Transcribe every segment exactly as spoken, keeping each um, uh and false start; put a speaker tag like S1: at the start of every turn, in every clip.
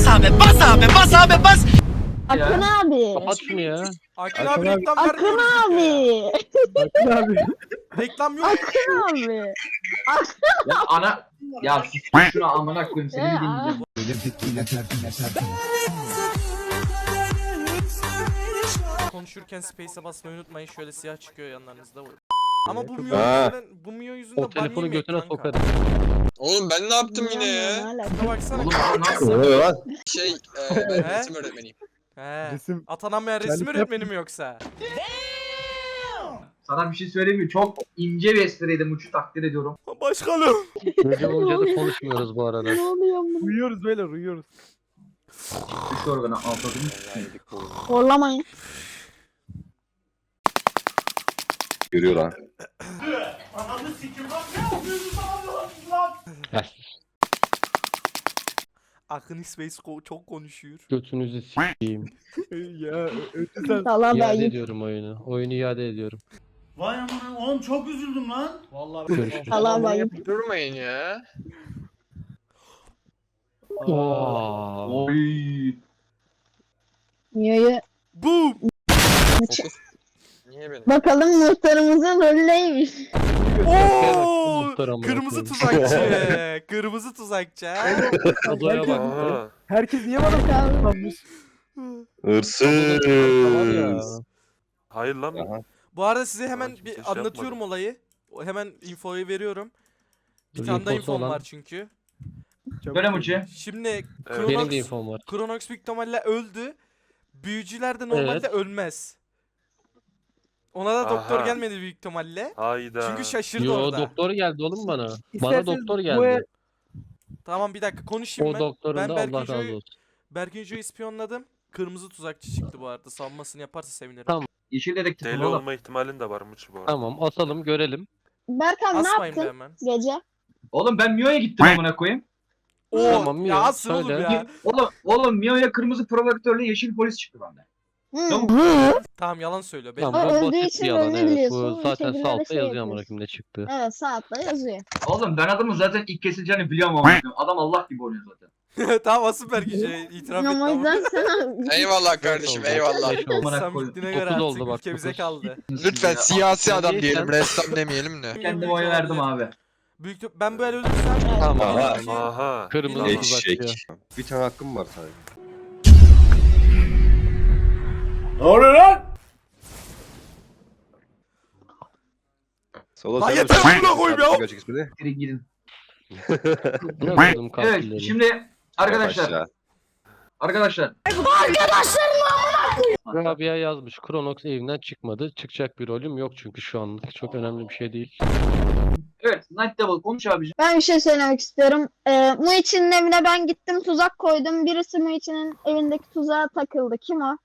S1: abi, bas abi, bas abi, bas.
S2: Akın abi.
S3: Kapat şunu ya.
S4: Akın
S5: Akın
S4: abi
S5: abi.
S4: reklam
S2: Akın
S4: vermiyoruz
S2: abi.
S5: Akın abi.
S4: ya. Reklam yok.
S2: Akın abi.
S6: Ya ana ya sus şuna amına koyayım seni mi dinleyeceğim?
S4: Konuşurken space'e basmayı unutmayın. Şöyle siyah çıkıyor yanlarınızda. Ama bu
S5: Çok-
S4: Mio
S3: Ha.
S4: yüzünden, bu Mio yüzünden
S3: O telefonu
S4: ban yemeyin
S3: götüne
S4: kanka.
S3: sokarım.
S7: Oğlum ben ne yaptım yine
S2: Ne
S7: ya?
S2: alaka?
S4: Şuna baksana.
S6: Oğlum
S4: kanka.
S6: nasıl?
S3: Oluyor lan.
S7: Şey, e, ben
S4: He?
S7: resim öğretmeniyim.
S4: He.
S5: Resim.
S4: Atanamayan resim
S5: Kendisi
S4: öğretmeni mi yoksa?
S6: Sana bir şey söyleyeyim mi? Çok ince bir espriydi Muç'u takdir ediyorum.
S4: Başkanım.
S3: Gece boyunca da konuşmuyoruz bu arada.
S2: Ne oluyor bu?
S5: Uyuyoruz böyle uyuyoruz.
S6: Üç organı atladım.
S2: Horlamayın.
S3: Görüyor lan.
S4: Akın Space ko- çok konuşuyor.
S3: Götünüzü s**eyim.
S5: Ya ötü sen.
S2: Salam
S3: İade
S2: ben.
S3: ediyorum oyunu. Oyunu iade ediyorum.
S1: Vay amına, oğlum çok üzüldüm lan.
S4: Vallahi
S3: Görüşürüz.
S2: Salam ben.
S7: Yapıp durmayın ya.
S3: Oo.
S6: Oy.
S2: Mio'yu
S4: Boom.
S7: Fokus. Niye benim?
S2: bakalım muhtarımızın rolü neymiş?
S4: Oo!
S3: Muhtar amına
S4: Kırmızı
S3: koyayım.
S4: tuzakçı. Kırmızı tuzakçı. ha?
S3: Odaya bak.
S7: Aha.
S5: Herkes niye bana
S2: Bakalım.
S5: kalmış?
S3: Hırsız. Tamam ya.
S8: Hayır lan.
S3: Aha.
S4: Bu arada size hemen
S8: kimse
S4: bir
S8: şey
S4: anlatıyorum
S8: yapmadı.
S4: olayı. O- Hemen infoyu veriyorum. Bir
S3: Dur,
S4: tane daha
S3: infosu
S4: infom
S3: olan-
S4: var çünkü.
S5: Çabuk.
S6: Böyle Muç'u.
S4: Şimdi
S8: Evet.
S3: Benim de
S4: Kronox,
S3: infom var.
S4: Kronox büyük ihtimalle öldü. Büyücüler de normalde
S3: Evet.
S4: ölmez. Ona da doktor
S8: Aha.
S4: gelmedi büyük ihtimalle.
S8: Hayda.
S4: Çünkü şaşırdı
S3: Yo
S4: orada.
S3: doktor geldi oğlum bana. Bana
S5: İsterseniz
S3: doktor
S5: bu
S3: geldi.
S5: el-
S4: Tamam bir dakika konuşayım
S3: O
S4: ben.
S3: doktorun
S4: Ben
S3: da Allah razı
S4: Berkinjo'yu
S3: olsun.
S4: Berkinjo'yu ispiyonladım. Kırmızı tuzakçı çıktı bu arada. Savunmasını yaparsa sevinirim.
S3: Tamam.
S6: Yeşil dedektif
S8: Deli
S6: oğlum.
S8: olma ihtimalin de varmış bu arada.
S3: Tamam asalım görelim.
S2: Berkan ne
S4: Asmayın be
S2: yaptın
S4: hemen.
S2: gece?
S6: Oğlum ben Mio'ya gittim amına koyayım.
S4: Oo,
S3: Tamam,
S4: ya
S3: Mio,
S4: asıl oğlum
S3: söyle.
S4: ya.
S6: Oğlum oğlum Mio'ya kırmızı provokatörle yeşil polis çıktı bende.
S2: Hı.
S4: Tamam yalan söylüyor. Belli.
S3: Tamam
S2: O
S3: bu
S2: öldüğü
S3: basit
S2: için
S3: bir yalan
S2: rolünü
S3: evet.
S2: biliyorsun,
S3: Bu zaten
S2: şekillerde
S3: sağ altta
S2: şey
S3: yazıyor
S2: yapıyorsun.
S3: amına koyayım ne çıktı.
S2: Evet saatle yazıyor.
S6: Oğlum ben adamın zaten ilk kesileceğini biliyorum amına koyayım. Adam Allah gibi oynuyor zaten.
S4: Tamam asıl Berkinjo'ya itiraf etti
S2: Ama o
S4: ama.
S2: yüzden sana
S7: Eyvallah kardeşim
S3: oldu.
S7: eyvallah.
S3: Beş oldu.
S6: Amına
S4: Sen
S6: koyayım.
S4: bittiğine göre
S3: Dokuz
S4: artık
S3: oldu bak,
S4: ülke bize
S3: dokuz.
S4: kaldı.
S7: Lütfen siyasi adam
S3: Sen
S7: diyelim,
S3: neysen-
S7: ressam demeyelim de.
S6: Kendime oy verdim abi.
S4: Büyük ihtim- ben bu el ölürsem
S3: Tamam.
S4: Aha.
S8: Aha.
S3: Kırmızı
S4: Tamam.
S3: tuzakçı.
S9: Bir tane hakkım var sadece.
S1: Ne oluyor lan?
S9: Sola
S4: Lan
S9: sen
S4: yeter
S9: başla.
S4: amına koyayım ya!
S9: Gerçek ismi de.
S6: Gidin gidin.
S3: Ne yapalım
S6: Evet
S3: katilleri?
S6: şimdi arkadaşlar.
S9: Aşağı.
S6: Arkadaşlar.
S3: Rabia yazmış. Kronox evinden çıkmadı. Çıkacak bir rolüm yok çünkü şu anlık. Çok önemli bir şey değil.
S6: Evet Night Devil konuş abicim.
S2: Ben bir şey söylemek istiyorum. Ee, Muichi'nin evine ben gittim tuzak koydum. Birisi Muichi'nin evindeki tuzağa takıldı. Kim o?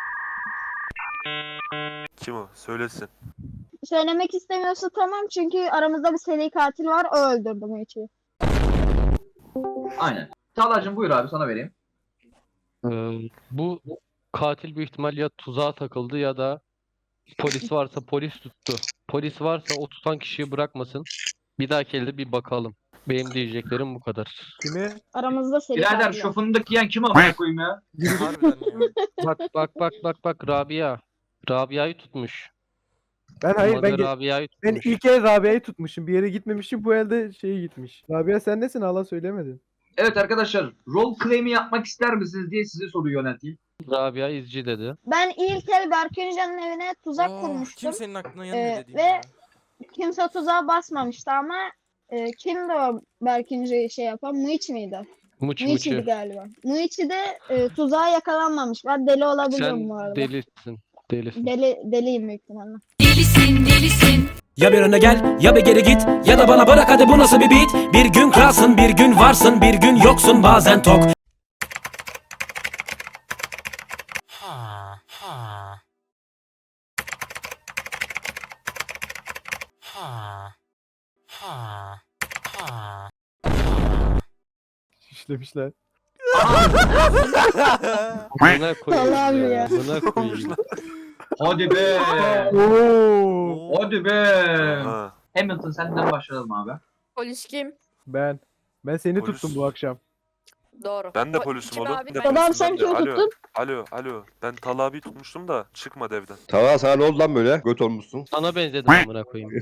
S8: Kim o? Söylesin.
S2: Söylemek istemiyorsa tamam çünkü aramızda bir seri katil var. O öldürdü Muichi'yi.
S6: Aynen. Çağlar'cığım buyur abi sana vereyim.
S3: Ee, bu katil büyük ihtimal ya tuzağa takıldı ya da polis varsa polis tuttu. Polis varsa o tutan kişiyi bırakmasın. Bir dahaki elde bir bakalım. Benim diyeceklerim bu kadar.
S5: Kimi?
S2: Aramızda seri
S6: Birader
S2: katil var.
S6: şu fındık yiyen kim amına koyayım ya?
S4: Harbiden ya.
S3: Bak bak bak bak bak Rabia. Rabia'yı tutmuş.
S5: Ben hayır
S3: Olmadı
S5: ben ge-
S3: Rabia'yı
S5: ben
S3: tutmuş.
S5: ilk el Rabia'yı tutmuşum. Bir yere gitmemişim. Bu elde şey gitmiş. Rabia sen nesin? Hala söylemedin.
S6: Evet arkadaşlar rol claim'i yapmak ister misiniz diye size soruyu yönelteyim.
S3: Rabia izci dedi.
S2: Ben ilk el Berköncan'ın evine tuzak
S4: Oh,
S2: kurmuştum.
S4: kimsenin aklına gelmedi
S2: Ee,
S4: dediğim
S2: ve
S4: ya.
S2: Kimse tuzağa basmamıştı ama e, kimdi o Berkince'yi şey yapan? Muichi miydi?
S3: Muç
S2: Muichi'ydi
S3: muçu.
S2: galiba. Muichi de e, tuzağa yakalanmamış. Ben deli olabilirim
S3: Sen
S2: bu arada.
S3: delisin. Delisin.
S2: Deli, deliyim büyük ihtimalle.
S10: Delisin delisin.
S1: Ya bir öne gel ya bir geri git ya da bana bırak hadi bu nasıl bir beat. Bir gün kralsın bir gün varsın bir gün yoksun bazen tok.
S10: Ha ha. Ha. Ha. Ha.
S5: İşlemişler.
S3: Buna koyayım
S2: Allah'ım
S3: ya.
S2: ya.
S3: Buna koyayım.
S6: Hadi be.
S5: Oo.
S6: Hadi be.
S8: Ha.
S6: Hamilton senden başlayalım abi.
S11: Polis kim?
S5: Ben. Ben seni
S8: Polis.
S5: tuttum bu akşam.
S11: Doğru.
S8: Ben de
S11: O
S8: polisim
S11: iki
S8: oğlum.
S11: abi
S8: Ben de
S11: ben-
S2: Adam
S8: polisim,
S2: sen
S8: ben de.
S2: kimi
S8: Alo,
S2: tuttun?
S8: alo, alo. Ben Talha abiyi tutmuştum da çıkmadı evden.
S9: Tamam sana ne oldu lan böyle? Göt olmuşsun.
S3: Sana benzedim amına koyayım.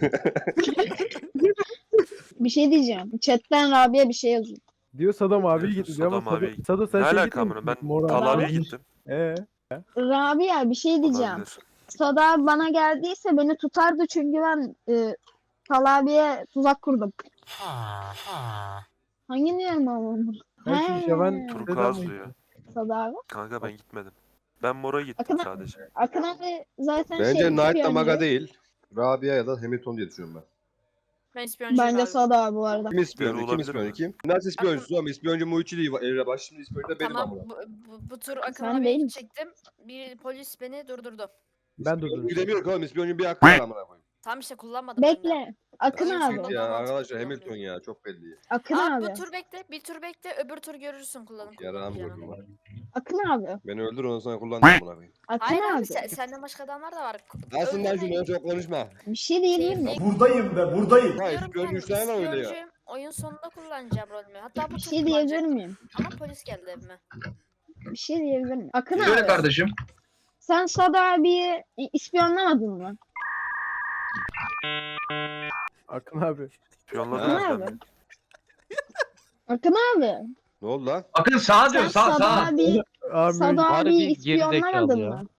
S2: Bir şey diyeceğim. Chatten Rabia bir şey yazıyor.
S5: Diyor Sadam abiye
S8: Diyorsun,
S5: gitti diyor ama
S8: Sadam abiye
S5: Sado,
S8: gitti.
S5: Sado sen
S8: Ne
S5: şey
S8: alaka
S5: gittin mi?
S8: amına? Ben
S5: Mor
S8: Talha
S5: abi.
S8: abiye gittim.
S5: Ee,
S2: Rabia bir şey diyeceğim.
S8: Olabilir.
S2: Sada bana geldiyse beni tutardı çünkü ben e, Talabi'ye tuzak kurdum.
S10: Ha ha.
S2: Hangi niye ama?
S5: ben şu Şaban
S8: Turkuaz
S5: Sedan
S8: diyor.
S2: Sada abi.
S8: Kanka ben gitmedim. Ben Mor'a gittim
S2: Akın,
S8: sadece.
S2: Akın abi zaten
S9: Bence
S2: şey
S9: Knight
S2: ispiyoncu.
S9: Maga değil. Rabia ya da Hamilton diye düşünüyorum ben.
S11: Ben ispiyoncuyum
S2: Bence
S11: abi.
S2: Sada abi bu arada.
S9: Kim ispiyoncu?
S8: Deli
S9: Kim
S8: olabilir
S9: ispiyoncu?
S8: mi?
S9: Kim? Nasıl ispiyoncusu ama ispiyoncu Muichi değil. Evre baş şimdi ispiyoncu da benim
S11: Tamam
S9: amına.
S11: bu, bu, bu tur Akın
S2: Sen
S11: abiye
S2: değil
S11: gidecektim. Bir polis beni durdurdu.
S5: ben
S9: İspiyoncu
S5: durdum.
S9: gidemiyor ki oğlum. İspiyoncu bir hakkı var amına koyayım.
S11: Tam işte kullanmadım ben de.
S2: Bekle. Akın
S11: Aynen,
S2: abi.
S11: sonunda
S9: Ya
S11: mantıklı
S9: arkadaşlar
S11: kullanmıyor.
S9: Hamilton ya çok belli.
S2: Akın
S11: Abi
S2: abi.
S11: bu tur bekle. Bir tur bekle. Öbür tur görürsün kullanıp
S9: Yarağım
S11: kullanmayacağını.
S9: gördüm.
S2: Akın abi.
S9: Beni öldür ondan sonra kullan amına koyayım.
S2: Akın
S11: Hayır abi
S2: abi.
S11: sen, senden başka adamlar da var.
S9: Nasılsın lan
S11: Öldürmeyin.
S9: şunu çok konuşma.
S2: Bir şey diyebilir miyim?
S12: Buradayım be buradayım.
S9: Ha
S11: Diyorum
S9: ispiyoncu
S11: ben,
S9: üç tane var öyle ya.
S11: ispiyoncuyum. Oyun sonunda kullanacağım rolümü. Hatta bu
S2: Bir
S11: tur
S2: şey diyebilir
S11: kullanacaktım.
S2: miyim?
S11: Ama polis geldi evime.
S2: Bir şey diyebilir miyim? Akın
S6: Söyle
S2: abi.
S6: kardeşim.
S2: Sen Sada abiyi ispiyonlamadın mı?
S5: Akın abi.
S8: Piyonladım
S9: Ha.
S8: ben.
S2: Akın abi.
S9: Ne oldu lan?
S6: Akın sağa diyor
S2: Sen
S6: sağ
S2: Sada
S6: sağ.
S2: abi,
S5: Abi
S2: Sada
S3: Harbi
S2: abiyi
S3: gerizekalı
S2: ispiyonlamadın
S3: ya.
S2: mı?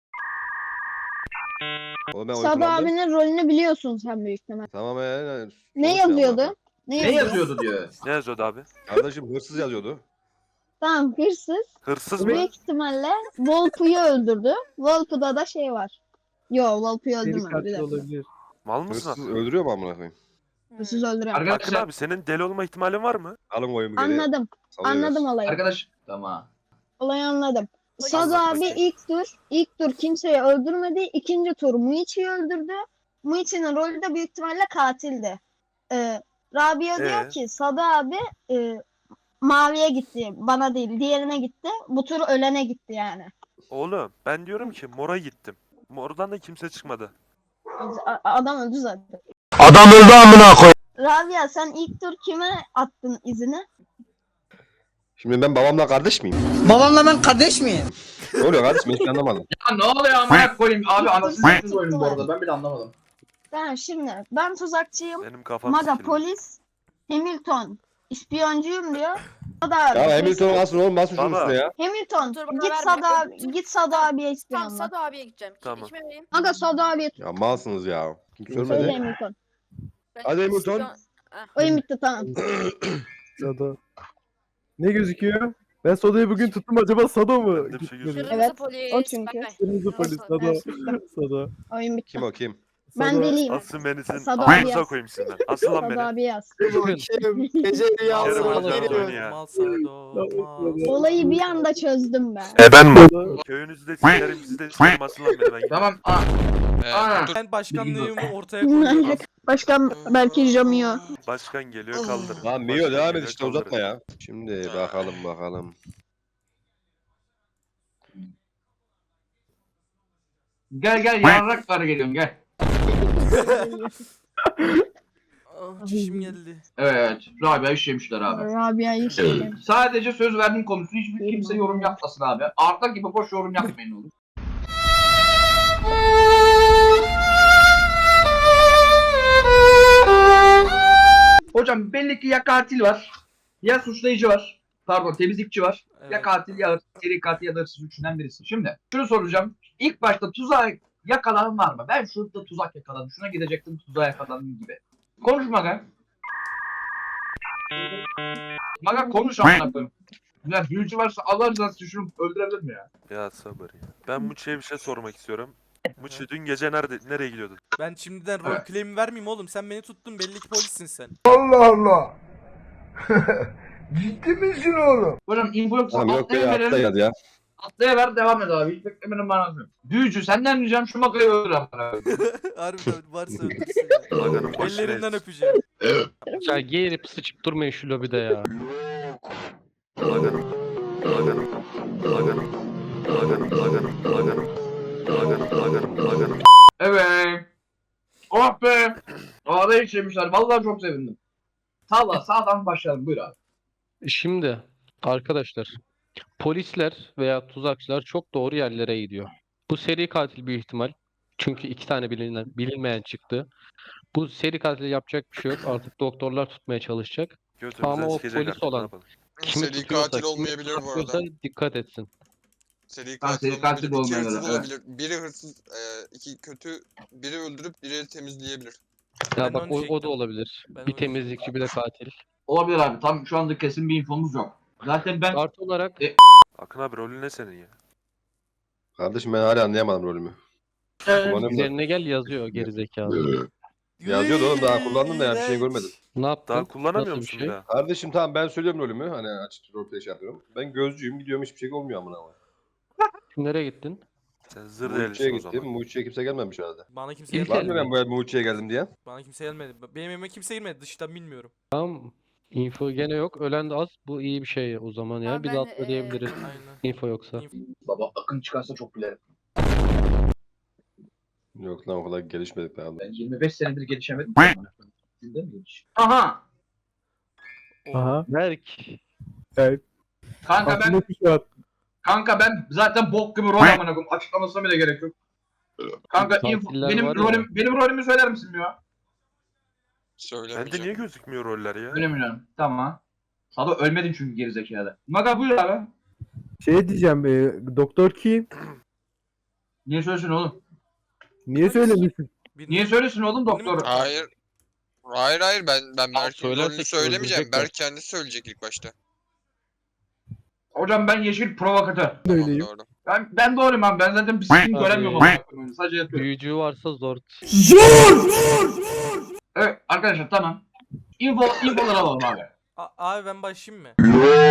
S9: Oğlum ben oyun
S2: Sada
S9: kullandım.
S2: abinin rolünü biliyorsun sen büyük ihtimal.
S9: Tamam ee.
S2: Ne yazıyordu? Ne,
S6: Ne
S2: yazıyordu?
S6: yazıyordu diyor.
S8: Ne yazıyordu abi?
S9: Kardeşim hırsız yazıyordu.
S2: Tamam hırsız.
S8: Hırsız mı?
S2: Büyük ihtimalle Volpu'yu öldürdü. Volpu'da da şey var. Yo Volpu'yu
S5: seri
S2: öldürmedi bir
S5: katil
S2: dakika.
S5: olabilir.
S8: Mal mısın
S9: Hırsız
S8: abi?
S9: öldürüyor mu amına koyayım?
S2: Hırsız öldürüyor.
S8: Akın
S6: Arkadaşlar
S8: abi senin deli olma ihtimalin var mı?
S9: Alın oyumu geri.
S2: Anladım.
S9: salıyoruz.
S2: Anladım olayı.
S6: arkadaş tamam.
S2: Olayı anladım.
S11: Polis-
S2: Sada abi
S8: Bakayım.
S2: ilk tur, ilk tur kimseyi öldürmedi. İkinci tur Muichi'yi öldürdü. Muichi'nin rolü de büyük ihtimalle katildi. Ee, Rabia diyor
S8: Ee?
S2: ki Sada abi e, maviye gitti. Bana değil diğerine gitti. Bu tur ölene gitti yani.
S8: Oğlum ben diyorum ki Mor'a gittim. Mor'dan da kimse çıkmadı.
S2: A- adam öldü zaten.
S12: Adam öldü amına koy.
S2: Rabia sen ilk tur kime attın izini?
S9: Şimdi ben babamla kardeş miyim?
S12: Babamla ben kardeş miyim?
S9: Ne oluyor kardeşim hiç anlamadım.
S6: Ya ne oluyor amına koyayım abi anasını satayım oyunu bu arada ben bile anlamadım.
S2: Ben şimdi ben tuzakçıyım.
S8: Benim kafam
S2: Maga
S8: sikildi.
S2: polis. Hamilton ispiyoncuyum diyor. Sada abi.
S9: Ya Hamilton nasıl oğlum nasıl şunun
S8: Baba.
S9: üstüne ya?
S2: Hamilton
S11: Dur, bana
S2: git
S11: verme.
S2: Sada
S11: Öbür tur-
S2: git Sada abiye
S11: Tamam
S2: ispiyonla.
S11: Sado abiye gideceğim. Kim,
S8: Tamam.
S11: Kime vereyim?
S2: Aga Sada abiye tut.
S9: Ya malsınız ya. Kim
S2: Söyle
S9: söylemedi?
S2: Hamilton.
S11: Ben
S9: Hadi Hamilton.
S11: ispiyon-
S2: Oyun bitti tamam.
S5: Sado. Ne gözüküyor? Ben Sado'yu bugün tuttum acaba Sado mu?
S8: Ben de bir şey
S5: Gitmedi.
S8: gözüküyor.
S11: Kırmızı
S2: Evet,
S11: polis.
S2: o çünkü.
S11: Bay bay.
S5: Kırmızı polis
S11: Nasıl?
S5: Sado.
S2: Evet.
S5: Sado.
S2: Oyun bitti.
S9: Kim o kim?
S2: Ben
S5: Sado.
S2: deliyim.
S8: Asıl beni senin
S2: Sado abi
S8: ağzınıza
S2: yaz.
S8: koyayım sizden. Asıl lan
S2: Sada
S8: beni.
S2: abi yaz.
S12: Gece
S8: Yarım
S12: rüyası
S8: hocam
S12: geliyor.
S8: oyunu ya.
S4: Mal Sado, mal.
S2: Olayı bir anda çözdüm ben.
S8: E ben mi?
S5: Sado.
S8: Köyünüzü de sikerim sizi de sikerim asıl lan beni ben.
S6: Tamam aa.
S7: Ee,
S6: Aa.
S7: dur.
S4: Ben başkanlığımı ortaya koyuyorum.
S2: Başkan belki Jamio.
S8: Başkan geliyor kaldır.
S9: Lan Mio devam et işte uzatma ya. Şimdi bakalım bakalım.
S6: Gel gel yarrak var geliyorum gel.
S4: Ah, çişim geldi.
S6: Evet Rabia işlemişler abi.
S2: Rabia'yı işte.
S6: Sadece söz verdiğim konusu hiçbir kimse yorum yapmasın abi. Arda gibi boş yorum yapmayın oğlum. Hocam belli ki ya katil var, ya suçlayıcı var, pardon temizlikçi var, ya
S4: Evet.
S6: katil ya seri katil ya da hırsız üçünden birisi. Şimdi şunu soracağım. İlk başta tuzağa yakalanan var mı? Ben şurada tuzak yakaladım, şuna gidecektim tuzağa yakaladım gibi. Konuş Maga. Maga konuş amına koyayım. Ya büyücü varsa Allah rızası için şunu öldürebilir mi ya?
S8: Ya sabır ya. Ben Muçi'ye bir şey sormak istiyorum. Muçi dün gece nerede nereye gidiyordun?
S4: Ben şimdiden rol claim'i vermeyeyim oğlum. Sen beni tuttun, belli ki polissin sen.
S12: Allah Allah. Ciddi misin oğlum?
S6: Hocam info yoksa
S9: Tamam yok
S6: atlaya
S9: ya atla
S6: verelim.
S9: hadi ya.
S6: Atlaya ver devam et abi. Hiç beklemenin manası yok. Büyücü senden ricam şu Maga'yı öldür amına koyayım.
S4: Harbiden varsa öldürsün ya.
S8: Maganın başına
S4: Ellerinden
S8: et.
S4: öpeceğim.
S3: Ya geğirip sıçıp durmayın şu lobide ya.
S8: Maganın. Maganın. Maganın. Maganın. Maganın. Maganın. Maganın. Maganın. Maganın.
S6: Evet. Oh be. Ağda işlemişler. Vallahi çok sevindim. Sağla sağdan başlayalım. Buyur abi.
S3: Şimdi Arkadaşlar, polisler veya tuzakçılar çok doğru yerlere gidiyor. Bu seri katil büyük ihtimal. Çünkü iki tane bilinen, bilinmeyen çıktı. Bu seri katil yapacak bir şey yok. Artık doktorlar tutmaya çalışacak. Ama
S8: Götümüzden
S3: o
S8: sikecek
S3: polis
S8: artık, ne
S3: olan
S8: yapalım?
S3: kimi
S7: Seri
S3: tutuyorsa,
S7: katil
S3: kimi
S7: olmayabilir bu arada.
S3: tutuyorsa dikkat etsin.
S7: Seri
S6: Ha,
S7: katil
S6: seri katil
S7: olmayabilir.
S6: de
S7: İki hırsız
S6: olmayabilir, evet.
S7: olabilir. Biri hırsız, e, iki kötü, biri öldürüp biri temizleyebilir.
S3: Ya
S4: Ben
S3: bak
S4: onu
S3: o, o da
S4: diyecektim.
S3: olabilir.
S4: Ben
S3: Bir
S4: onu
S3: temizlikçi bir de katil.
S6: Olabilir abi. Tam şu anda kesin bir infomuz yok. Zaten ben
S3: Artı olarak
S8: Akın abi rolün ne senin ya?
S9: Kardeşim ben hala anlayamadım rolümü.
S6: Ee,
S9: Kullanıyorum da.
S3: üzerine gel yazıyor gerizekalı.
S9: Yazıyordu oğlum, daha kullandım da ya, bir şey görmedim.
S3: Ne yaptın?
S8: Daha kullanamıyor
S3: Nasıl bir
S8: musun
S3: şey?
S8: bir daha?
S9: Kardeşim tamam, ben söylüyorum rolümü. Hani açık roleplay şey yapıyorum. Ben gözcüyüm, gidiyorum, hiçbir şey olmuyor amına koyayım.
S3: Nereye gittin?
S8: Sen zır
S9: Muhitçi'ye
S8: delisin o
S9: gittim.
S8: zaman.
S9: Muhitçi'ye kimse gelmemiş herhalde.
S4: Bana kimse
S3: İlk
S9: Var
S4: gelmedi.
S9: mı ben bu el Muhitçi'ye geldim diye?
S4: Bana kimse gelmedi. Benim evime kimse girmedi. Dıştan bilmiyorum.
S3: Tamam. Info gene yok. Ölen de az. Bu iyi bir şey o zaman ya.
S11: Ama
S3: Bir
S11: ben,
S3: de atla
S11: eee,
S3: diyebiliriz.
S4: Aynen.
S3: Info yoksa.
S4: Inf-
S6: baba Akın çıkarsa çok gülerim.
S9: Yok lan, o kadar gelişmedik daha.
S6: Ben yirmi beş senedir gelişemedim. Sizde mi geliş? Aha!
S5: Aha.
S3: Berk.
S5: Evet.
S6: Kanka ben
S5: Aklımdaki şu an.
S6: kanka ben zaten bok gibi rol amına koyayım. Açıklamasına bile gerek yok. Kanka info,
S3: Tatiller
S6: benim
S3: var ya.
S6: rolüm benim rolümü söyler misin ya?
S8: Bende
S7: Söylemeyeceğim.
S8: niye gözükmüyor roller ya?
S6: Öyle mi canım? Tamam. Sado ölmedin çünkü gerizekalı. Maga buyur abi.
S5: Şey diyeceğim, e, doktor kim?
S6: Niye söylesin oğlum?
S5: Niye söylemiyorsun?
S4: Bir-
S6: Niye söylesin oğlum doktor?
S7: Hayır. Hayır hayır ben ben Berk'in
S3: söylersek
S7: rolünü söylemeyeceğim.
S3: öldürecekler.
S7: Berk kendisi söyleyecek ilk başta.
S6: Hocam ben yeşil provokatör.
S7: Tamam,
S5: Öyleyim.
S7: doğru.
S6: Ben ben doğruyum abi. Ben zaten bir sikim
S3: Abi.
S6: göremiyorum amına koyayım. Sadece yatıyorum.
S3: Büyücü varsa zor.
S6: Evet arkadaşlar tamam. Info infoları alalım abi.
S4: A- abi ben başlayayım mı?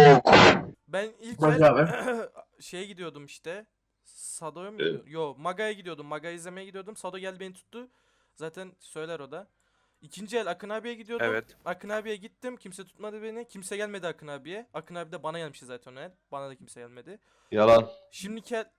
S4: Ben ilk
S6: Başla
S4: el şeye gidiyordum işte. Sado'ya mı gidiyordum? Yo, Maga'ya gidiyordum. Maga'yı izlemeye gidiyordum. Sado geldi beni tuttu. Zaten söyler o da. İkinci el Akın abiye gidiyordum.
S8: Evet.
S4: Akın abiye gittim. Kimse tutmadı beni. Kimse gelmedi Akın abiye. Akın abi de bana gelmişti zaten o el. Bana da kimse gelmedi.
S9: Yalan.
S4: Şimdiki el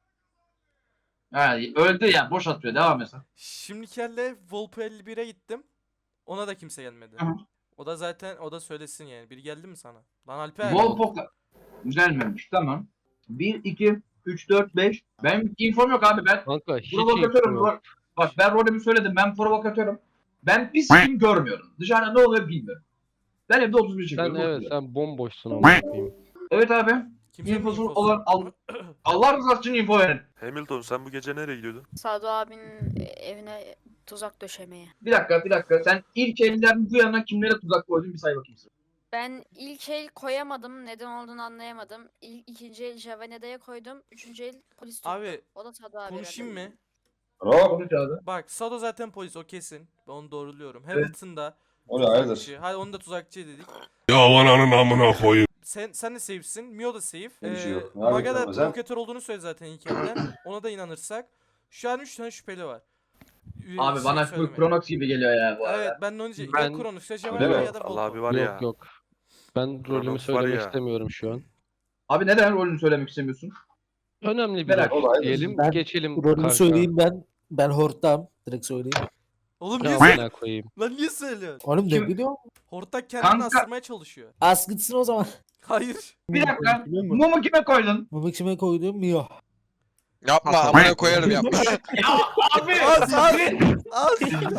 S6: Ha, öldü ya boş atıyor devam et sen.
S4: Şimdiki elle Volpo elli bire gittim. Ona da kimse gelmedi.
S6: Hı hı.
S4: O da zaten o da söylesin yani. Biri geldi mi sana? Lan Alper.
S6: Volpoka gelmemiş tamam. bir, iki, üç, dört, beş. Benim infom yok abi ben
S3: Kanka hiç
S6: provokatörüm.
S3: info yok.
S6: Bak, bak ben rolümü söyledim ben provokatörüm. Ben bir sikim görmüyorum. Dışarıda ne oluyor bilmiyorum. Ben evde otuz bir
S3: Sen
S6: çekiyorum.
S3: evet
S6: oturuyorum.
S3: sen bomboşsun ama koyayım.
S6: Evet abi.
S4: Kimsenin
S6: İnfosu
S4: infosu
S6: olan
S4: yok.
S6: al, Allah rızası için info verin.
S8: Hamilton sen bu gece nereye gidiyordun?
S11: Sado abinin evine tuzak döşemeye.
S6: Bir dakika bir dakika sen ilk elden bu yana kimlere tuzak koydun bir say bakayım sen.
S11: Ben ilk el koyamadım. Neden olduğunu anlayamadım. İlk, ikinci el Javenede'ye koydum. Üçüncü el polis tuttu.
S4: Abi
S11: O da Sado abi.
S4: konuşayım mı?
S6: Konuş abi.
S4: Bak Sado zaten polis o kesin. Ben onu doğruluyorum.
S6: Evet.
S4: Hamilton da
S9: O ne hayırdır?
S4: tuzakçı. Hadi onu da tuzakçı dedik.
S12: Ya ananın amına koyayım.
S4: Sen sen de safe'sin. Mio da safe.
S9: Bir şey
S4: Ee,
S9: yok. Ne
S4: Maga da
S9: yapayım sen?
S4: provokatör olduğunu söyledi zaten ilk elden. Ona da inanırsak. Şu an üç tane şüpheli var. Ee,
S6: Abi
S4: şey
S6: bana
S4: söylemeye.
S6: şu Kronox gibi geliyor ya bu arada.
S4: Evet ben de onu diyeceğim.
S3: Ben-
S4: Ya Kronos ya
S9: Öyle
S4: Javelin
S9: mi?
S4: ya da
S8: Allah abi
S4: Volpo.
S8: var ya.
S3: Yok yok. Ben rolümü
S8: Kronos var
S3: söylemek
S8: ya.
S3: istemiyorum şu an.
S6: Abi neden rolünü söylemek istemiyorsun?
S3: Önemli bir
S6: Merak
S3: rol
S9: etme.
S3: diyelim.
S12: Ben
S3: Geçelim
S12: Rolümü
S3: kanka.
S12: söyleyeyim ben. Ben horttam. Direkt söyleyeyim.
S4: Oğlum niye
S3: Ya
S4: söylüyorsun?
S3: amına koyayım.
S4: Lan niye söylüyorsun?
S12: Oğlum
S6: Kim-
S12: ne biliyorum?
S4: Hortlak kendini
S6: Kanka-
S4: astırmaya çalışıyor.
S12: Az gitsin o zaman.
S4: Hayır.
S6: Bir dakika.
S5: Biliyor musun?
S6: Mumu kime koydun?
S12: Bu kime koyduğum Mio.
S7: Yapma amına koyarım yapma.
S6: Abi.
S4: Az az. Az.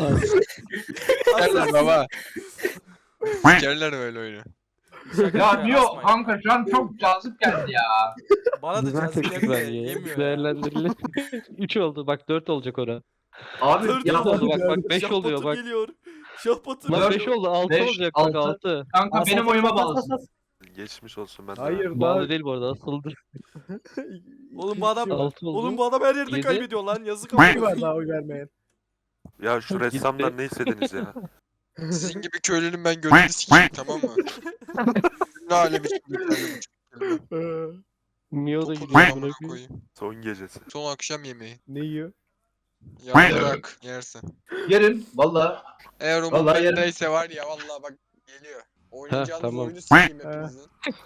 S7: Sikerler baba. Sikerler böyle oyunu.
S4: Şaka
S6: Ya
S4: yapıyorum,
S6: Mio
S4: asmayın.
S6: kanka şu an çok cazip geldi ya.
S4: Bana da
S3: Güzel
S4: cazip
S3: teklif
S4: geldi de
S3: ver ya.
S4: yemiyor ya.
S3: Değerlendirilir. üç oldu. Bak dört olacak ora.
S6: Abi
S4: Dört
S6: ya
S3: dört oldu bak bak beş
S4: Şah
S3: oluyor
S4: Batur
S3: bak.
S4: geliyor. Şah Batur.
S3: Lan
S6: Dört-
S3: beş oldu. altı
S6: beş,
S3: olacak bak
S6: altı.
S3: altı.
S6: kanka
S12: As,
S6: benim
S12: as,
S6: oyuma
S12: as, as,
S6: bağlısın.
S12: as.
S8: Geçmiş olsun ben de.
S5: Hayır daha.
S3: Bağlı değil bu arada asıldı.
S4: Oğlum bu adam
S3: altı oldu.
S4: Oğlum bu adam her yerde
S3: Yedi.
S4: kaybediyor lan. Yazık
S5: Bir
S4: ama.
S5: var daha oy vermeyen.
S8: Ya şu ressamdan ne istediniz ya?
S7: Sizin gibi köylünün ben gözünü sikeyim tamam mı? Ne alem için bir köylü bu.
S3: Mio da
S7: Topu
S3: gidiyor.
S7: amına
S3: amına koyayım.
S7: koyayım.
S8: Son gecesi.
S7: Son akşam yemeği.
S5: Ne yiyor?
S7: Ya bırak yersin.
S6: Yerin valla.
S7: Eğer o
S6: Vallahi yerim.
S7: neyse var ya vallahi bak geliyor. Oynayacağınız
S3: tamam.
S7: oyunu sikeyim hepinizin.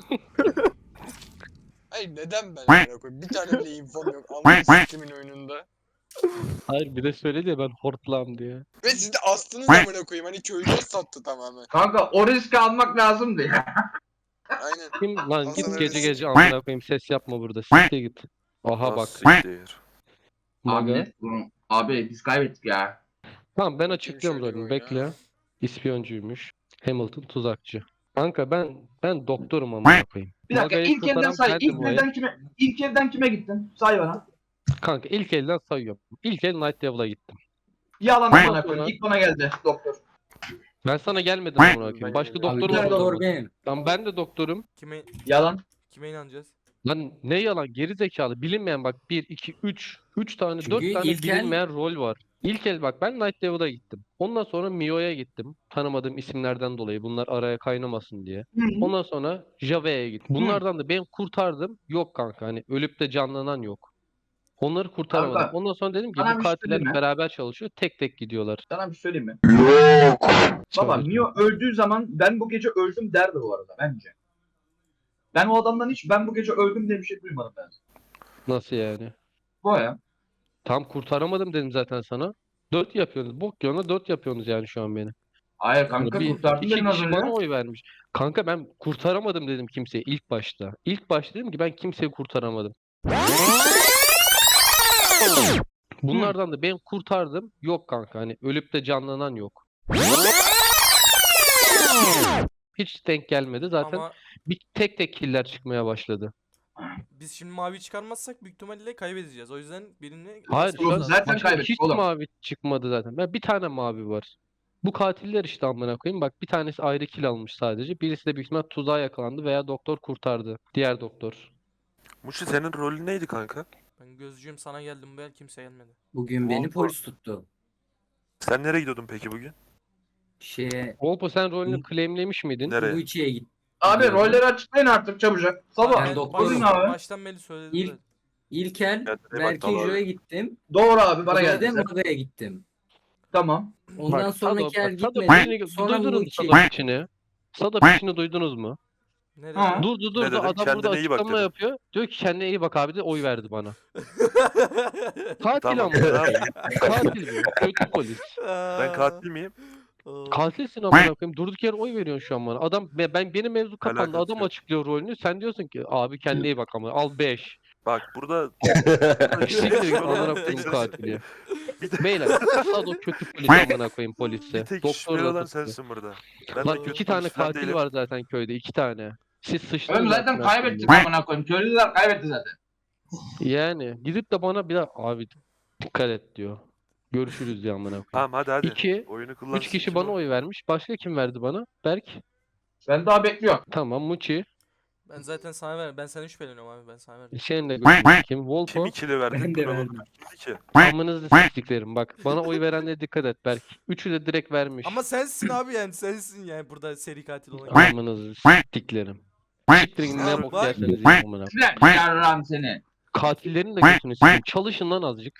S7: Hayır neden ben amına koyayım? Bir tane bile infom yok. Anlayın sikimin oyununda.
S3: Hayır bir de söyledi ya ben hortlam diye.
S7: Ve siz de astınız amına koyayım. Hani köylüye sattı tamamen.
S6: Kanka o riski almak lazımdı ya.
S7: Aynen.
S3: Kim lan
S7: Al
S3: git
S7: sana
S3: gece
S7: resim.
S3: gece amına koyayım ses yapma burada. Siktir git. Aha bak.
S8: Nasıl siktir?
S3: Maga.
S6: Abi, bunu- abi biz kaybettik ya.
S3: Tamam ben
S7: Kim
S3: açıklıyorum
S7: şöyle bir
S3: rolünü
S7: oyun
S3: bekle.
S7: ha?
S3: İspiyoncuymuş. Hamilton tuzakçı. Kanka ben ben doktorum amına koyayım.
S6: Bir dakika
S3: Maga'yı
S6: ilk elden
S3: kurtaran
S6: say.
S3: bendim
S6: İlk
S3: o el.
S6: elden kime ilk elden kime gittin? Say bana.
S3: Kanka ilk elden sayıyorum. İlk el Night Devil'a gittim.
S6: Yalan
S3: Ondan
S6: bana
S3: sonra-
S6: koyayım. İlk bana geldi doktor.
S3: Ben sana gelmedim amına koyayım.
S8: Ben
S3: Başka
S8: gelmedim.
S3: doktorum
S6: Abi,
S3: var
S6: doktor
S3: mı?
S12: benim.
S3: Lan ben de doktorum.
S4: Kime
S6: Yalan.
S4: kime inanacağız?
S3: Lan ne yalan geri zekalı bilinmeyen bak bir iki üç üç tane dört
S12: Çünkü
S3: tane
S12: ilk el-
S3: bilinmeyen rol var. İlk el bak ben Night Devil'a gittim. Ondan sonra Mio'ya gittim. Tanımadığım isimlerden dolayı bunlar araya kaynamasın diye.
S6: Hı hı.
S3: Ondan sonra Jave'ye gittim. Bunlardan da ben kurtardım. Yok kanka hani ölüp de canlanan yok. Onları kurtaramadım.
S6: Kanka,
S3: Ondan sonra dedim ki
S6: sana
S3: bu
S6: bir şey
S3: katiller
S6: söyleyeyim mi?
S3: beraber çalışıyor. Tek tek gidiyorlar.
S6: Sana bir şey söyleyeyim mi? Baba
S3: Söyle.
S6: Mio öldüğü zaman ben bu gece öldüm derdi bu arada bence. Ben o adamdan hiç ben bu gece öldüm diye bir şey duymadım ben.
S3: Nasıl yani?
S6: Bu ya.
S3: Tam kurtaramadım dedim zaten sana. Dört yapıyorsunuz. Bok yoluna dört yapıyorsunuz yani şu an beni.
S6: Hayır kanka
S3: Bir,
S6: kurtardın
S3: iki
S6: dedin az
S3: kişi
S6: önce.
S3: bana oy vermiş. Kanka ben kurtaramadım dedim kimseyi ilk başta. İlk başta dedim ki ben kimseyi kurtaramadım. Bunlardan da ben kurtardım. Yok kanka hani ölüp de canlanan yok. Hiç denk gelmedi. Zaten
S4: Ama
S3: bir tek tek killer çıkmaya başladı.
S4: biz şimdi mavi çıkarmazsak büyük ihtimalle kaybedeceğiz. O yüzden birini
S3: Hayır
S4: basmamız
S3: şu an
S4: lazım.
S6: zaten
S3: başka
S6: kaybettik
S3: hiç
S6: oğlum.
S3: mavi çıkmadı zaten. Ya bir tane mavi var. Bu katiller işte amına koyayım. Bak bir tanesi ayrı kill almış sadece. Birisi de büyük ihtimal tuzağa yakalandı veya doktor kurtardı. Diğer doktor.
S8: Muşi senin rolün neydi kanka?
S4: Ben gözcüyüm, sana geldim bu el kimse gelmedi.
S12: Bugün
S8: beni
S12: beni polis tuttu.
S8: Sen nereye gidiyordun peki bugün?
S12: Şeye
S3: Olpo sen rolünü claimlemiş miydin?
S8: Nereye?
S12: Uichi'ye gittim.
S6: Abi rolleri açıklayın artık çabucak. Sabah.
S12: Ben
S4: Ben
S12: doktorum.
S6: Buyurun
S4: baştan,
S6: abi.
S4: baştan beri söyledim
S12: İlk-
S4: de.
S12: İlkel
S8: Kendine bak
S12: Berke
S8: Dal abi.
S12: Jo'ya gittim.
S6: Doğru abi bana
S12: Sonra
S6: geldi.
S12: da
S6: sen.
S12: Maga'ya gittim.
S6: Tamam.
S12: Ondan
S3: Bak,
S12: sonraki
S3: Sado-
S12: el
S3: bak, Sado
S12: gitmedim.
S3: piçini-
S12: Sonra
S3: duydunuz mu
S12: Uichi'ye
S3: Sado piçini? Sado piçini duydunuz mu?
S4: Nerede?
S6: Ha.
S3: Durdu durdu
S8: dedim?
S3: adam burada
S8: Kendine iyi bak
S3: açıklama
S8: dedim.
S3: yapıyor. Diyor ki kendine iyi bak abi de oy verdi bana. Katil
S8: Tamam.
S3: ama.
S8: Tamam.
S3: Katil bu. Kötü polis.
S8: Ben katil miyim?
S3: Katilsin amına koyayım. Durduk yere oy veriyorsun şu an bana. Adam ben ben- benim mevzu kapandı.
S8: Alakası
S3: Adam
S8: yok.
S3: açıklıyor rolünü. Sen diyorsun ki abi kendine iyi bak ama al beş.
S8: Bak burada
S3: Siktir git amına koyayım katili. Beyler Sado kötü polis amına koyayım polise.
S8: bir tek
S3: Doktor
S8: şüpheli
S3: da
S8: olan
S3: tuttu.
S8: sensin burada. Ben de
S3: Lan
S8: kötü
S3: iki tane
S8: polis falan
S3: katil
S8: değilim.
S3: var zaten köyde. iki tane. Siz sıçtınız.
S6: Oğlum zaten
S3: amına
S6: kaybettik
S3: koyayım.
S6: amına koyayım. Köylüler kaybetti zaten.
S3: Yani gidip de bana bir daha abi dikkat et diyor. Görüşürüz diyor amına koyayım.
S8: Tamam hadi hadi.
S3: İki,
S8: Oyunu kullansın.
S3: Üç kişi
S8: kim
S3: bana
S8: o?
S3: oy vermiş. Başka kim verdi bana? Berk.
S6: Ben daha bekliyorum.
S3: Tamam. Muçi.
S4: Ben zaten sana verdim. Ben senden şüpheleniyorum abi. Ben sana verdim.
S3: Seninle görüşürüz. Kim?
S8: Kim
S3: Volpo.
S8: ikili verdi?
S12: Ben de
S8: Dur oğlum,
S12: verdim.
S8: iki.
S3: Amınızı siktiklerim bak. Bana oy verenlere dikkat et Berk. Üçü de direkt vermiş.
S4: Ama sensin abi yani sensin yani burada seri katil olan.
S3: Amınızı siktiklerim. Siktirin ne bok
S4: Bak.
S3: yerseniz yiyin amına.
S6: Lan yarram seni.
S3: Katillerin de götünü sikeyim. Çalışın lan azıcık.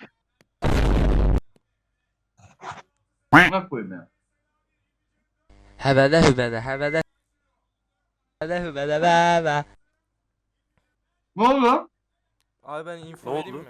S6: Amına koyayım ya.
S10: Hebede hübede hebede hebede hübede bebe.
S6: Ne oldu lan?
S4: Abi ben info
S8: Ne
S4: vereyim
S8: oldu?
S4: mi?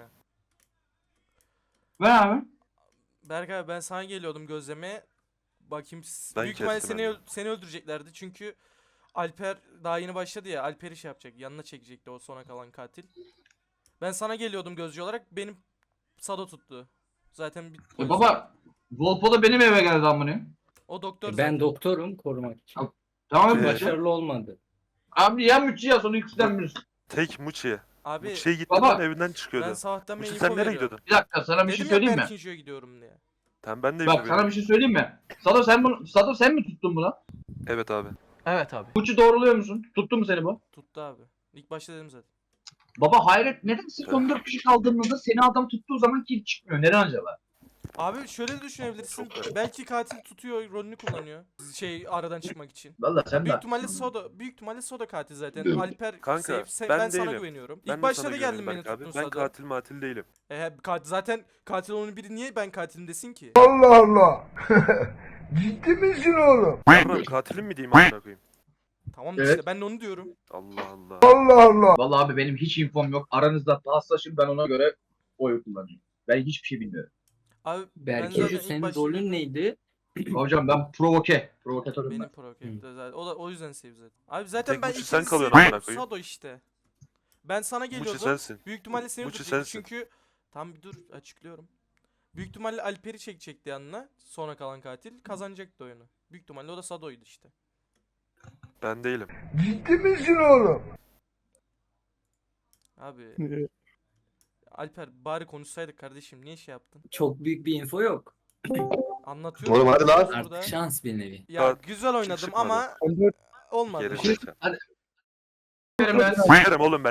S6: Ver abi.
S4: Berk abi ben sana geliyordum gözlemeye. Bakayım s-
S8: Ben
S4: büyük ihtimalle
S8: kestim
S4: seni
S8: hemen.
S4: öl- seni öldüreceklerdi çünkü Alper daha yeni başladı ya, Alper'i şey yapacak, yanına çekecekti o sona kalan katil. Ben sana geliyordum gözcü olarak, benim Sado tuttu. Zaten bir
S6: E
S4: polis-
S6: baba. Volpo da benim eve geldi amına.
S4: o doktor
S12: Ben
S4: zaten.
S12: doktorum korumak için.
S6: Tamam mı?
S8: Ee,
S12: Başarılı olmadı.
S6: Abi ya Mütçü ya sonra ikisinden birisi.
S8: Tek Muçi.
S4: Abi
S8: Muçi'ye gitti
S6: Baba.
S8: lan evinden
S4: ben
S8: çıkıyordu.
S4: sabahtan beri
S8: Muçi
S4: info
S8: sen nereye
S4: veriyorum.
S8: gidiyordun?
S6: Bir dakika sana bir şey
S4: Dedim ya
S6: söyleyeyim mi?
S4: Berkinjo'ya gidiyorum diye.
S8: Tamam ben de
S6: Bak
S8: info
S6: sana bir
S8: veriyorum.
S6: şey söyleyeyim mi? Sado sen bunu Sado sen mi tuttun bunu?
S8: Evet abi.
S4: Evet abi.
S6: Mütçü doğruluyor musun? Tuttu mu seni bu?
S4: Tuttu abi. İlk başta dedim zaten.
S6: Baba hayret neden sırf on dört kişi kaldığında seni adam tuttuğu zaman kill çıkmıyor? Neden acaba?
S4: Abi şöyle de düşünebilirsin.
S8: Çok garip.
S4: Belki katil tutuyor, rolünü kullanıyor. Şey aradan çıkmak için.
S6: Vallahi sen
S4: Büyük
S6: de.
S4: ihtimalle Soda, büyük ihtimalle Soda katil zaten.
S6: Hı.
S4: Alper
S8: Kanka,
S4: safe, safe-
S8: ben
S4: ben, sana
S8: değilim.
S4: güveniyorum.
S8: Ben
S4: İlk
S8: de
S4: başta
S8: sana
S4: da
S8: güveniyorum
S4: geldin beni
S8: Berk abi.
S4: tuttun
S8: Ben
S4: Soda.
S8: katil matil değilim.
S4: E, he, katil, zaten katil olan biri niye ben katilim desin ki?
S5: Allah Allah. Ciddi misin oğlum?
S8: Yarram katilim mi diyeyim amına koyayım?
S4: Tamam
S6: Evet.
S4: işte ben de onu diyorum.
S8: Allah Allah.
S5: Allah Allah.
S6: Vallahi abi benim hiç infom yok. Aranızda paslaşın ben ona göre oy kullanacağım. Ben hiçbir şey bilmiyorum.
S4: Abi ben
S12: Berke
S4: zaten
S12: Joe
S4: ilk
S12: senin
S4: başta
S12: rolün
S4: dedim.
S12: neydi?
S6: Hocam ben provoke. Provokatörüm ben.
S4: Benim prokette zaten. O da o yüzden save zaten. Abi zaten
S8: Tek
S4: ben
S8: Muçi sen
S4: ikinci
S8: kalıyorsun amına
S4: seviyorum.
S8: koyayım.
S4: Sado işte. Ben sana
S8: Muçi
S4: geliyordum.
S8: sensin.
S4: Büyük ihtimalle seni
S8: Muçi
S4: tutacaktı
S8: sensin.
S4: çünkü tam bir dur açıklıyorum. Büyük ihtimalle Alper'i çekecekti yanına. Sonra kalan katil kazanacaktı oyunu. Büyük ihtimalle o da Sado'ydu işte.
S8: Ben değilim.
S4: Abi Alper bari konuşsaydık kardeşim niye şey yaptın?
S12: Çok büyük bir info yok.
S4: Anlatıyorum.
S9: Oğlum hadi lan.
S4: burada.
S12: Artık şans bir nevi.
S4: Ya
S8: Saat
S4: güzel oynadım
S8: çıkmadı.
S4: ama
S5: on dört
S4: olmadı.
S8: Geri zekalı.
S6: Verim ben.
S8: Sikerim oğlum ben.